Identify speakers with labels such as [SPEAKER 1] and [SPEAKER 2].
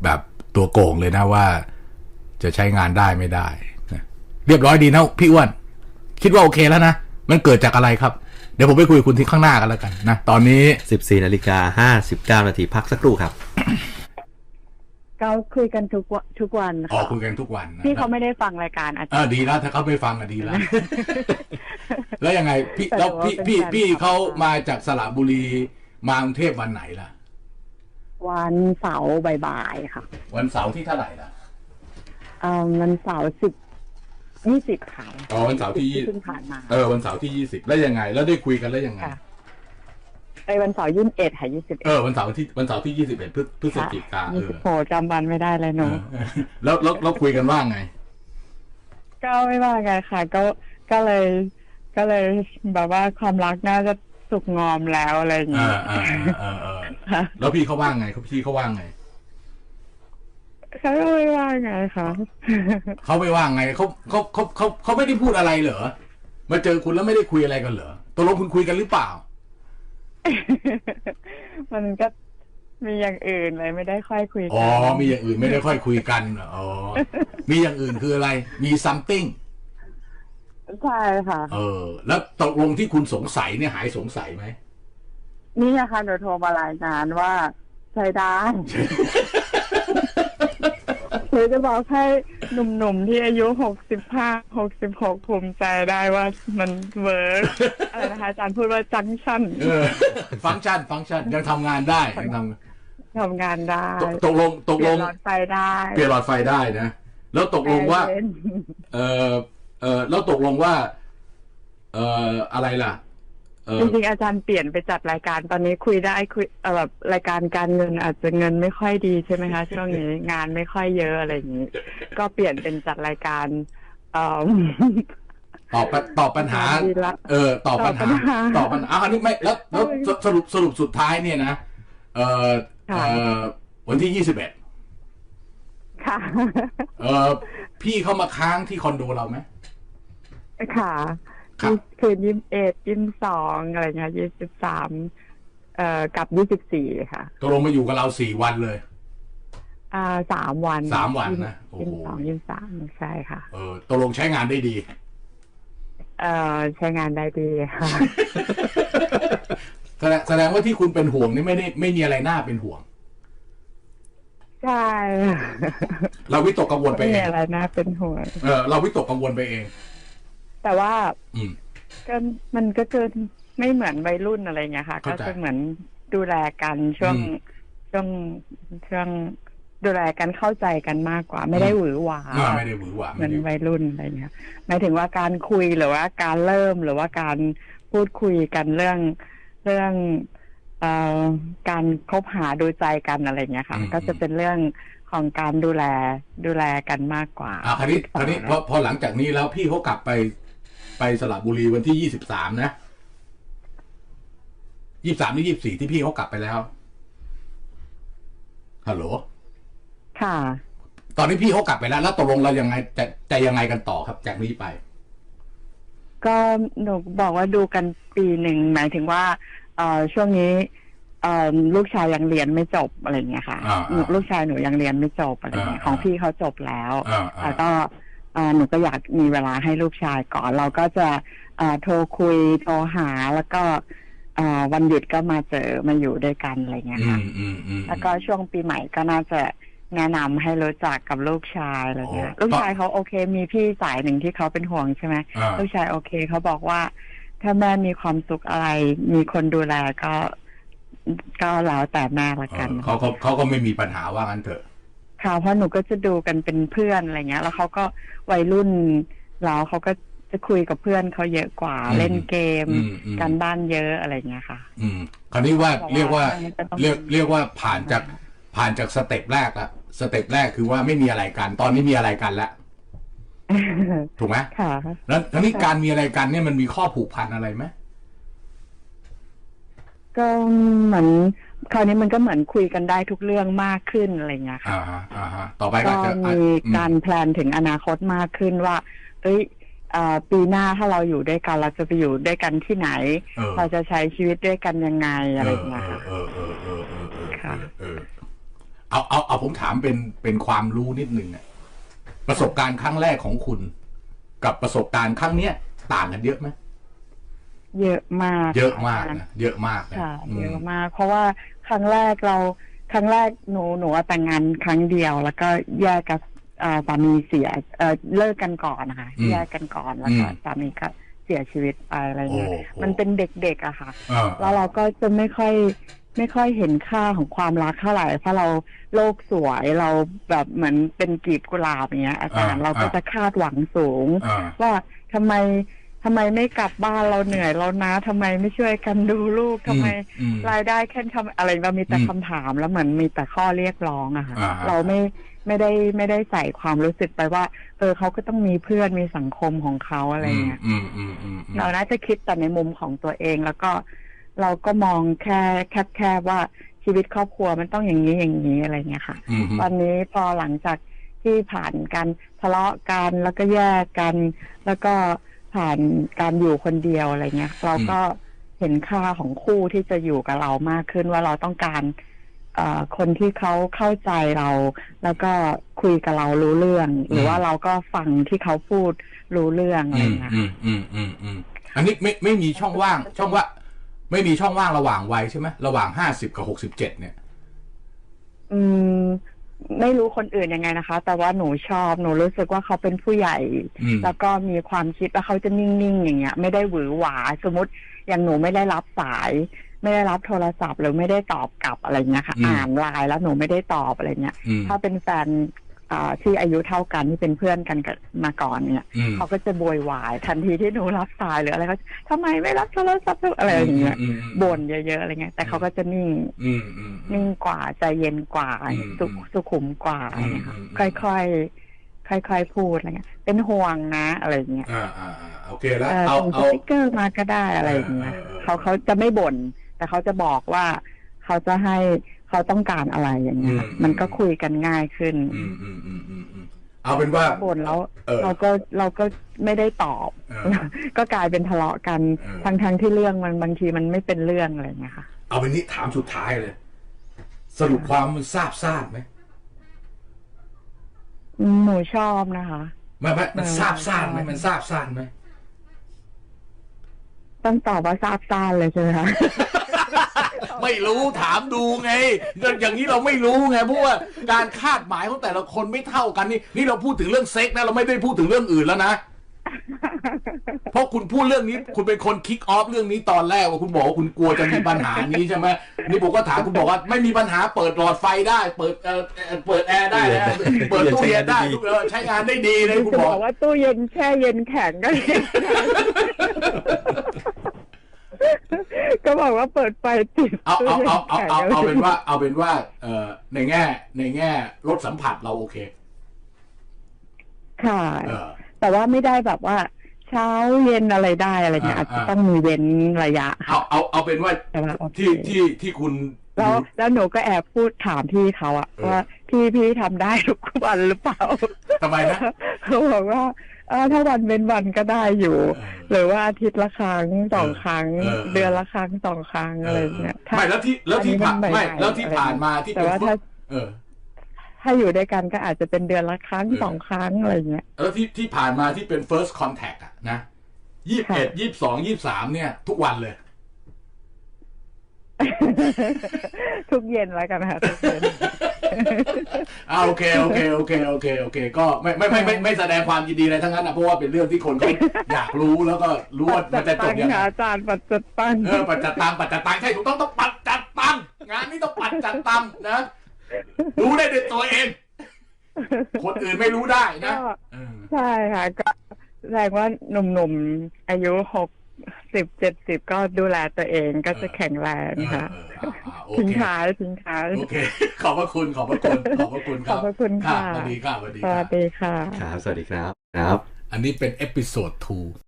[SPEAKER 1] แบบตัวโกงเลยนะว่าจะใช้งานได้ไม่ได้นะเรียบร้อยดีนะพี่อ้วนคิดว่าโอเคแล้วนะมันเกิดจากอะไรครับเดี๋ยวผมไปคุยกับคุณที่ข้างหน้ากันแล้วกันนะตอนนี้
[SPEAKER 2] 14:59 นาทีพักสักครู่ครับ
[SPEAKER 3] ก็คุยกันทุกวันค่ะ
[SPEAKER 1] คุยกันทุกวันนะ
[SPEAKER 3] พี่เขาไม่ได้ฟังรายการอาจารย์
[SPEAKER 1] ดีแล้วถ้าเขาไม่ฟังดีแล้ว แล้วยังไงพี่แล้วพี่เขามาจากสระบุรีมากรุงเทพวันไหนล่ะ
[SPEAKER 3] วันเสาร์บ่ายๆค่ะ
[SPEAKER 1] วันเสาร์ที่เท่าไหร่ล่ะ
[SPEAKER 3] วันเสาร์20ค่ะ
[SPEAKER 1] วันเสาร์ที่
[SPEAKER 3] เพิ่งผ่านมา
[SPEAKER 1] วันเสาร์ที่20แล้วยังไงแล้วได้คุยกันแล้วยังไง
[SPEAKER 3] วันเสาร์21ค่ะ21
[SPEAKER 1] วันเสาร์ที่21พฤศจิกายน
[SPEAKER 3] โหจำวันไม่ได้เลยหนู
[SPEAKER 1] แล้วคุยกันว่าไง
[SPEAKER 3] ก็ไม่ว่าไงค่ะก็เลยแบบว่าความรักน่าจะสุกงอมแล้วอะไรอย่างเงี้ย
[SPEAKER 1] แล้วพี่เขาว่าไงพี่เขาว่าไง
[SPEAKER 3] เขาไม่ว่าไงคะ
[SPEAKER 1] เขาไม่ว่าไงเขาไม่ได้พูดอะไรเหรอมาเจอคุณแล้วไม่ได้คุยอะไรกันเหรอตกลงคุณคุยกันหรือเปล่า
[SPEAKER 3] มันก็มีอย่างอื่นเลยไม่ได้ค่อยคุยกัน
[SPEAKER 1] มีอย่างอื่นไม่ได้ค่อยคุยกันมีอย่างอื่นคืออะไรมี something
[SPEAKER 3] ใช่ค่ะ
[SPEAKER 1] แล้วตกลงที่คุณสงสัยเนี่ยหายสงสัยไหม
[SPEAKER 3] นี่นะคะหนูโทรมารายงานว่าใช้ได้หรือจะบอกให้หนุ่มๆที่อายุ65-66ภูมิใจได้ว่ามันเวิร์กอะไรนะคะอาจารย์พูดว่าจังชั่น
[SPEAKER 1] ฟังก์ชันยังทำงานได้ยัง
[SPEAKER 3] ทำงานได้
[SPEAKER 1] ตกลง
[SPEAKER 3] เปลี่ยนหลอดไฟได้
[SPEAKER 1] เปลี่ยนหลอดไฟได้นะแล้วตกลงว่าแล้วตกลงว่าอะไรล่ะ
[SPEAKER 3] จริงๆอาจารย์เปลี่ยนไปจัดรายการตอนนี้คุยได้คุยแบบรายการการเงินอาจจะเงินไม่ค่อยดีใช่ไหมคะช่วงนี้งานไม่ค่อยเยอะอะไรอย่างนี้ก็เปลี่ยนเป็นจัดรายการ
[SPEAKER 1] ตอบปัญหาตอบปัญหาอันนี้ไม่แล้วสรุปสุดท้ายเนี่ยนะวันที่21
[SPEAKER 3] ค่ะ
[SPEAKER 1] พี่เข้ามาค้างที่คอนโดเราไหม
[SPEAKER 3] ค่ะคืน21 22อะไรเงี้ย23กับ24ค่ะ
[SPEAKER 1] ตกลงมาอยู่กับเรา4 วันเลย
[SPEAKER 3] 3 วัน
[SPEAKER 1] นะโอ้โห
[SPEAKER 3] 23ใช่ค่ะ
[SPEAKER 1] ตกลงใช้งานได้ดี
[SPEAKER 3] ใช้งานได้ดีค่ะ
[SPEAKER 1] แสดงว่าที่คุณเป็นห่วงนี่ไม่มีอะไรน่าเป็นห่วง
[SPEAKER 3] ใช่
[SPEAKER 1] เราวิตกกังวลไปเอง
[SPEAKER 3] ไม่มีอะไรน่าเป็นห่วง
[SPEAKER 1] เราวิตกกังวลไปเอง
[SPEAKER 3] แต่ว่าก็มันก็จะไม่เหมือนวัยรุ่นอะไรเงี้ยค่ะก็จะเหมือนดูแลกันช่วงดูแลกันเข้าใจกันมากกว่าไม่ได้หวือหวาเหมือนวัยรุ่นอะไรเงี้ยหมายถึงว่าการคุยหรือว่าการเริ่มหรือว่าการพูดคุยกันเรื่องการคบหาดูใจกันอะไรเงี้ยค่ะก็จะเป็นเรื่องของการดูแลกันมากกว่า
[SPEAKER 1] คราวนี้พอหลังจากนี้แล้วพี่เขากลับไปสระบุรีวันที่23นะ23หรือ24ที่พี่เขากลับไปแล้วฮัลโหล
[SPEAKER 3] ค่ะ
[SPEAKER 1] ตอนนี้พี่เขากลับไปแล้วตกลงเรายังไงจะยังไงกันต่อครับจากนี้ไป
[SPEAKER 3] ก็หนูบอกว่าดูกันปีหนึ่งหมายถึงว่าช่วงนี้ลูกชายยังเรียนไม่จบอะไรเงี้ยค่ะลูกชายหนูยังเรียนไม่จบอะไรเงี้ยของพี่เขาจบแล้วแล้วก็หนูก็อยากมีเวลาให้ลูกชายก่อนเราก็จะโทรคุยโทรหาแล้วก็วันหยุดก็มาเจอมาอยู่ด้วยกันอะไรเงี้ยค่ะแล้วก็ช่วงปีใหม่ก็น่าจะแนะนำให้รู้จักกับลูกชายอะไรเงี้ยลูกชายเขาโอเคมีพี่สายหนึ่งที่เขาเป็นห่วงใช่ไหมลูกชายโอเคเขาบอกว่าถ้าแม่มีความสุขอะไรมีคนดูแลก็แล้วแต่แม่ละกัน
[SPEAKER 1] เขาก็ไม่มีปัญหาว่างั้นเถอะ
[SPEAKER 3] ค่ะเพราะหนูก็จะดูกันเป็นเพื่อนอะไรเงี้ยแล้วเขาก็วัยรุ่นแล้วเขาก็จะคุยกับเพื่อนเขาเยอะกว่าเล่นเกมการบ้านเยอะอะไรเงี้ยค่ะ
[SPEAKER 1] คราวนี้ว่าเรียกว่าผ่านจากสเต็ปแรกละสเต็ปแรกคือว่าไม่มีอะไรกันตอนนี้มีอะไรกันแล้วถูกไหม
[SPEAKER 3] ค่ะ
[SPEAKER 1] แล้วทีนี้การมีอะไรกันเนี่ยมันมีข้อผูกพันอะไรไหม
[SPEAKER 3] ก็เหมือนคราวนี้มันก็เหมือนคุยกันได้ทุกเรื่องมากขึ้นอะไรเงี้ยค่ะ
[SPEAKER 1] ต่อไปก็จะ
[SPEAKER 3] มีการแพลนถึงอนาคตมากขึ้นว่าปีหน้าถ้าเราอยู่ด้วยกันเราจะไปอยู่ด้วยกันที่ไหนเราจะใช้ชีวิตด้วยกันยังไงอะไรเงี้ยค่ะ
[SPEAKER 1] เอาผมถามเป็นความรู้นิดนึงอะประสบการณ์ครั้งแรกของคุณ กับประสบการณ์ครั้งเนี้ยต่างกันเยอะไหม
[SPEAKER 3] เยอะมาก
[SPEAKER 1] เยอะมากนะเยอะมากนะ
[SPEAKER 3] ค่ะเยอะมาก เพราะว่าครั้งแรกหนูแต่งงานครั้งเดียว แล้วก็แยกกับสามีเสียเลิกกันก่อนนะคะแยกกันก่อนแล้วก็สามีก็เสียชีวิตไปอะไรเงี้ยมันเป็นเด็กๆอะค่ะแล้วเราก็จะไม่ค่อยเห็นค่าของความรักเท่าไหร่เพราะเราโลกสวยเราแบบเหมือนเป็นกลีบกุหลาบอย่างเงี้ยอาจารย์เราก็จะคาดหวังสูงว่าทำไมไม่กลับบ้านเราเหนื่อยเรานะทำไมไม่ช่วยกันดูลูกทำไมรายได้แค่ทำอะไรเรามีแต่คำถามแล้วเหมือนมีแต่ข้อเรียกร้องอะค่ะเราไม่ได้ใส่ความรู้สึกไปว่าเขาก็ต้องมีเพื่อนมีสังคมของเขาอะไรเงี้ยเราน่าจะคิดแต่ในมุมของตัวเองแล้วก็เราก็มองแค่ว่าชีวิตครอบครัวมันต้องอย่างนี้อะไรเงี้ยค่ะตอนนี้พอหลังจากที่ผ่านการทะเลาะกันแล้วก็แยกกันแล้วก็ผ่านการอยู่คนเดียวอะไรเงี้ยเราก็เห็นค่าของคู่ที่จะอยู่กับเรามากขึ้นว่าเราต้องการคนที่เขาเข้าใจเราแล้วก็คุยกับเรารู้เรื่องหรือว่าเราก็ฟังที่เขาพูดรู้เรื่องอะไรเงี้ย
[SPEAKER 1] อันนี้ไม่มีช่องว่างไม่มีช่องว่างระหว่างวัยใช่ไหมระหว่าง50 กับ 67เนี่ย
[SPEAKER 3] ไม่รู้คนอื่นยังไงนะคะแต่ว่าหนูชอบหนูรู้สึกว่าเขาเป็นผู้ใหญ่แล้วก็มีความคิดว่าเขาจะนิ่งๆอย่างเงี้ยไม่ได้หวือหวาสมมติอย่างหนูไม่ได้รับสายไม่ได้รับโทรศัพท์หรือไม่ได้ตอบกลับอะไรเงี้ยค่ะอ่านไลน์แล้วหนูไม่ได้ตอบอะไรเงี้ยถ้าเป็นแฟนที่อายุเท่ากันที่เป็นเพื่อนกันมาก่อนเนี่ยเขาก็จะโวยวายทันทีที่หนูรับสายหรืออะไรเขาทำไมไม่รับโทรศัพท์อะไรอย่างเงี้ยบ่นเยอะๆอะไรเงี้ยแต่เขาก็จะนิ่งกว่าใจเย็นกว่าสุขุมกว่าอะไรเงี้ยค่อยๆพูดอะไรเงี้ยเป็นห่วงนะอะไรเงี้ย
[SPEAKER 1] โอเคแล้ว
[SPEAKER 3] เอาสติ๊กเกอร์มาก็ได้อะไรเงี้ยเขาจะไม่บ่นแต่เขาจะบอกว่าเขาจะให้เขาต้องการอะไรอย่างเงี้ยมันก็คุยกันง่ายขึ้น
[SPEAKER 1] เอาเป็นว่า
[SPEAKER 3] บ่นแล้วเราก็ไม่ได้ตอบก็กลายเป็นทะเลาะกันทั้งที่เรื่องมันบางทีมันไม่เป็นเรื่องอะไรเงี้ยค่ะ
[SPEAKER 1] เอาเป็นนี้ถามสุดท้ายเลยสรุปความมันซาบซ่านไหม
[SPEAKER 3] หนูชอบนะคะ
[SPEAKER 1] มันซาบซ่านไหมมันซาบซ่านไหม
[SPEAKER 3] ต้องตอบว่าซาบซ่านเลยใช่ไหมคะ
[SPEAKER 1] ไม่รู้ถามดูไงอย่างนี้เราไม่รู้ไงเพราะว่าการคาดหมายของแต่ละคนไม่เท่ากันนี่เราพูดถึงเรื่องเซ็กนะเราไม่ได้พูดถึงเรื่องอื่นแล้วนะเพราะคุณพูดเรื่องนี้คุณเป็นคนคิกออฟเรื่องนี้ตอนแรกว่าคุณบอกว่าคุณกลัวจะมีปัญหานี้ใช่ไหมนี่ผมก็ถามคุณบอกว่าไม่มีปัญหาเปิดหลอดไฟได้เปิดแอร์ได้เปิดตู้เย็นได้ใช้งานได้ดีเลยคุณบอก
[SPEAKER 3] ว่าตู้เย็นแช่เย็นแข็งก็ก็บอกว่าเปิดไฟติด
[SPEAKER 1] เอาเป็นว่าในแง่รสสัมผัสเราโอเค
[SPEAKER 3] ค่ะแต่ว่าไม่ได้แบบว่าเช้าเย็นอะไรได้อะไรเงี้ยอาจจะต้องมีเว้นระยะ
[SPEAKER 1] เอาเป็นว่าที่คุณ
[SPEAKER 3] แล้วหนูก็แอบพูดถามพี่เขาอะว่าพี่ทำได้ทุกวันหรือเปล่า
[SPEAKER 1] ทำไมนะ
[SPEAKER 3] เขาบอกว่าถ้าวันเป็นวันก็ได้อยู่หรือว่าอาทิตย์ละครั้ง2 ครั้งเดือนละครั้ง2 ครั้งอะไรเงี้ย
[SPEAKER 1] ไม่แล้วที่ผ่านมาที่
[SPEAKER 3] แต่ว่าถ้าอยู่ด้วยกันก็อาจจะเป็นเดือนละครั้ง2 ครั้งอะไรเงี้ย
[SPEAKER 1] แล้วที่ผ่านมาที่เป็น first contact อะนะ21 22 23เนี่ยทุกวันเลย
[SPEAKER 3] ทุกเย็นแล้วกันค่ะทุกเย็น
[SPEAKER 1] โอเคก็ไม่แสดงความยินดีอะไรทั้งนั้นนะเพราะว่าเป็นเรื่องที่คนเขาอยากรู้แล้วก็รู้ว่ามันจะจบยังไง
[SPEAKER 3] อาจารย์ปัจจัดตัง
[SPEAKER 1] ปัจจัดตังใช่ถูกต้องปัจจัดตังงานนี้ต้องปัจจัดตังนะรู้ได้ด้วยตัวเองคนอื่นไม่รู้ได้นะ
[SPEAKER 3] ใช่ค่ะก็แสดงว่าหนุ่มๆอายุ60-70ก็ดูแลตัวเองก็จะแข็งแรงค่ะทิ้งท้าย
[SPEAKER 1] โอเคขอบพระคุณครับ
[SPEAKER 3] ขอบพระคุณค่ะ
[SPEAKER 1] สวัสดีค่ะ
[SPEAKER 3] สวัสดีค่ะ
[SPEAKER 2] ครับสวัสดีครับ
[SPEAKER 1] อันนี้เป็นเอพิโซด 2